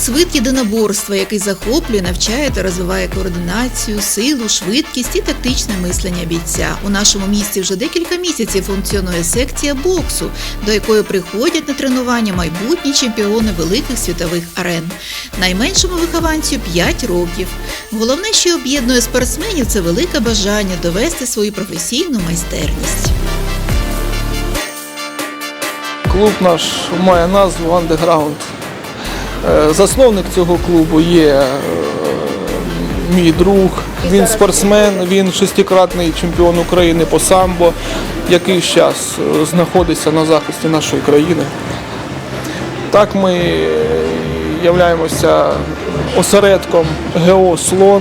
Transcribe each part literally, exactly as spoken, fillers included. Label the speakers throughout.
Speaker 1: Бокс – вид єдиноборства, який захоплює, навчає та розвиває координацію, силу, швидкість і тактичне мислення бійця. У нашому місті вже декілька місяців функціонує секція боксу, до якої приходять на тренування майбутні чемпіони великих світових арен. Найменшому вихованцю – п'ять років. Головне, що об'єднує спортсменів – це велике бажання довести свою професійну майстерність.
Speaker 2: Клуб наш має назву «Андеграунд». Засновник цього клубу є мій друг, він спортсмен, він шестикратний чемпіон України по самбо, який зараз знаходиться на захисті нашої країни. Так ми являємося осередком ГО «Слон».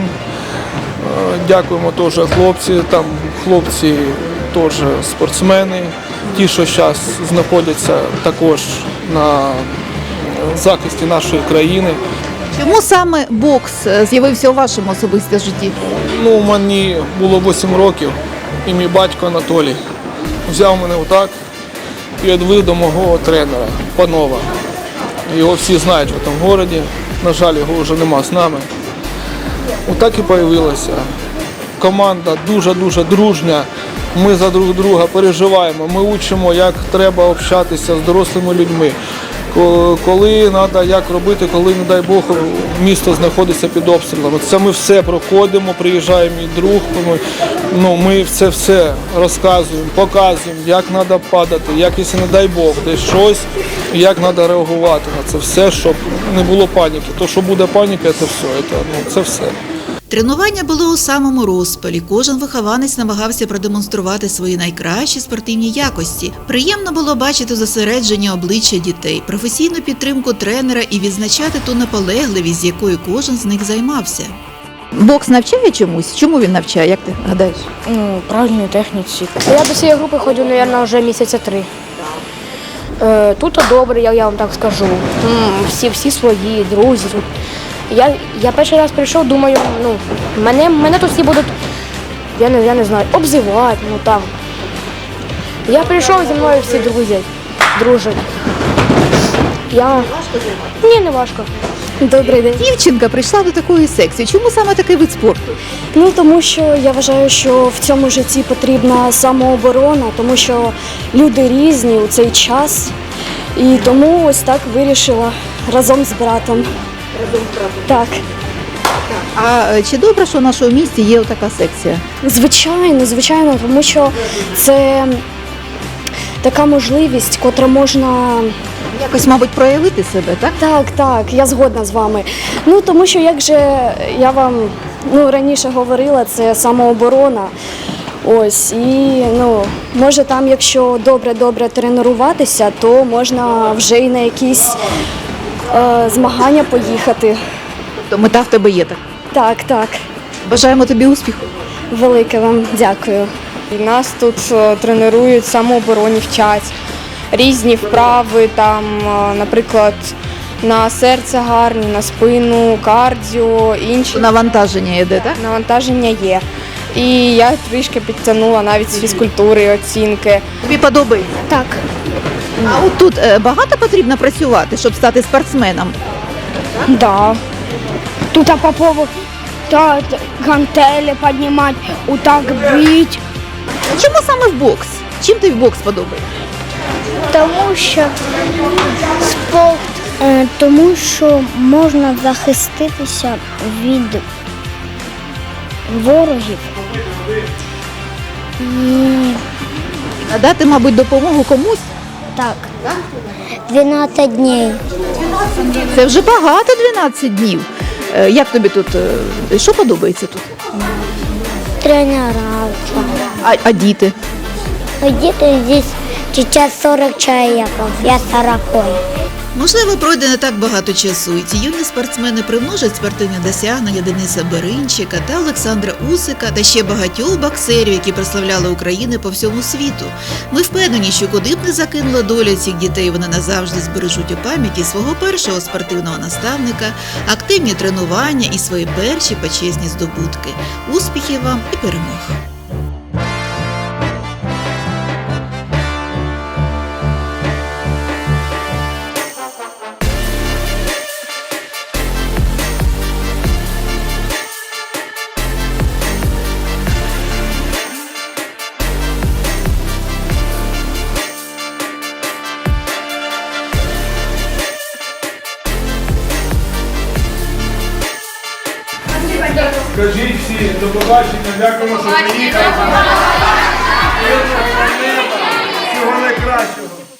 Speaker 2: Дякуємо теж хлопці, там хлопці теж спортсмени, ті, що зараз знаходяться також на захисті нашої країни.
Speaker 3: Чому саме бокс з'явився у вашому особистому житті?
Speaker 2: Ну, мені було вісім років, і мій батько Анатолій взяв мене отак і відвів до мого тренера, Панова. Його всі знають в цьому місті, на жаль, його вже нема з нами. Отак і з'явилася. Команда дуже-дуже дружня, ми за друг друга переживаємо, ми вчимо, як треба общатися з дорослими людьми. Коли треба, як робити, коли, не дай Бог, місто знаходиться під обстрілами. Це ми все проходимо, приїжджає мій друг, ми, ну, ми це все розказуємо, показуємо, як треба падати, як, якщо, не дай Бог, десь щось, як треба реагувати на це все, щоб не було паніки. То, що буде паніка, це все, це, ну, це все.
Speaker 1: Тренування було у самому розпалі. Кожен вихованець намагався продемонструвати свої найкращі спортивні якості. Приємно було бачити зосередження обличчя дітей, професійну підтримку тренера і відзначати ту наполегливість, з якою кожен з них займався.
Speaker 3: Бокс навчає чомусь? Чому він навчає, як ти гадаєш?
Speaker 4: Ну, правильній техніці. Я до цієї групи ходжу, мабуть, вже місяця три. Е, тут добре, я, я вам так скажу. Всі, всі свої, друзі. Тут. Я, я перший раз прийшов, думаю, ну, мене, мене тут всі будуть, я не, я не знаю, обзивати, ну там. Я прийшов, зі мною всі друзі, дружать. Я... Ні, не важко.
Speaker 3: Добрий день. Дівчинка прийшла до такої секції. Чому саме такий вид спорту?
Speaker 5: Ну, тому що я вважаю, що в цьому житті потрібна самооборона, тому що люди різні у цей час. І тому ось так вирішила разом з братом.
Speaker 3: Разом з братом?
Speaker 5: Так.
Speaker 3: А чи добре, що в нашому місті є така секція?
Speaker 5: Звичайно, звичайно, тому що це така можливість, котра можна...
Speaker 3: Якось, мабуть, проявити себе, так?
Speaker 5: Так, так, я згодна з вами. Ну, тому що, як же я вам ну, раніше говорила, це самооборона. Ось, і, ну, може там, якщо добре-добре тренуватися, то можна вже й на якісь е, змагання поїхати.
Speaker 3: То мета в тебе є так?
Speaker 5: Так, так.
Speaker 3: Бажаємо тобі успіху.
Speaker 5: Велике вам дякую.
Speaker 4: І нас тут тренують самообороні, вчать. Різні вправи, там, наприклад, на серце гарні, на спину, кардіо, інші.
Speaker 3: Навантаження йде, так?
Speaker 4: Навантаження є. І я трішки підтягнула навіть з фізкультури, оцінки.
Speaker 3: Тобі подобається?
Speaker 5: Так.
Speaker 3: А от тут е, багато потрібно працювати, щоб стати спортсменом?
Speaker 6: Да. Тут по поводу та, гантелі піднімати, отак бити.
Speaker 3: Чому саме в бокс? Чим тобі бокс подобається?
Speaker 6: Тому що спорт, е, тому що можна захиститися від ворогів і
Speaker 3: Надати, мабуть, допомогу комусь?
Speaker 6: так. дванадцять днів.
Speaker 3: Це вже багато, дванадцять днів. Е, Як тобі тут, е, що подобається тут?
Speaker 6: Тренера.
Speaker 3: А, а діти?
Speaker 6: Діти здесь сейчас сорок чоловіків, я сорок.
Speaker 1: Можливо, пройде не так багато часу, і ці юні спортсмени примножать спортивні досягнення Дениса Беринчика та Олександра Усика та ще багатьох боксерів, які прославляли Україну по всьому світу. Ми впевнені, що куди б не закинула доля цих дітей, вони назавжди збережуть у пам'яті свого першого спортивного наставника, активні тренування і свої перші почесні здобутки. Успіхів вам і перемог!
Speaker 2: Скажіть всі, до побачення, дякуємо, що приїхали. Всього найкращого.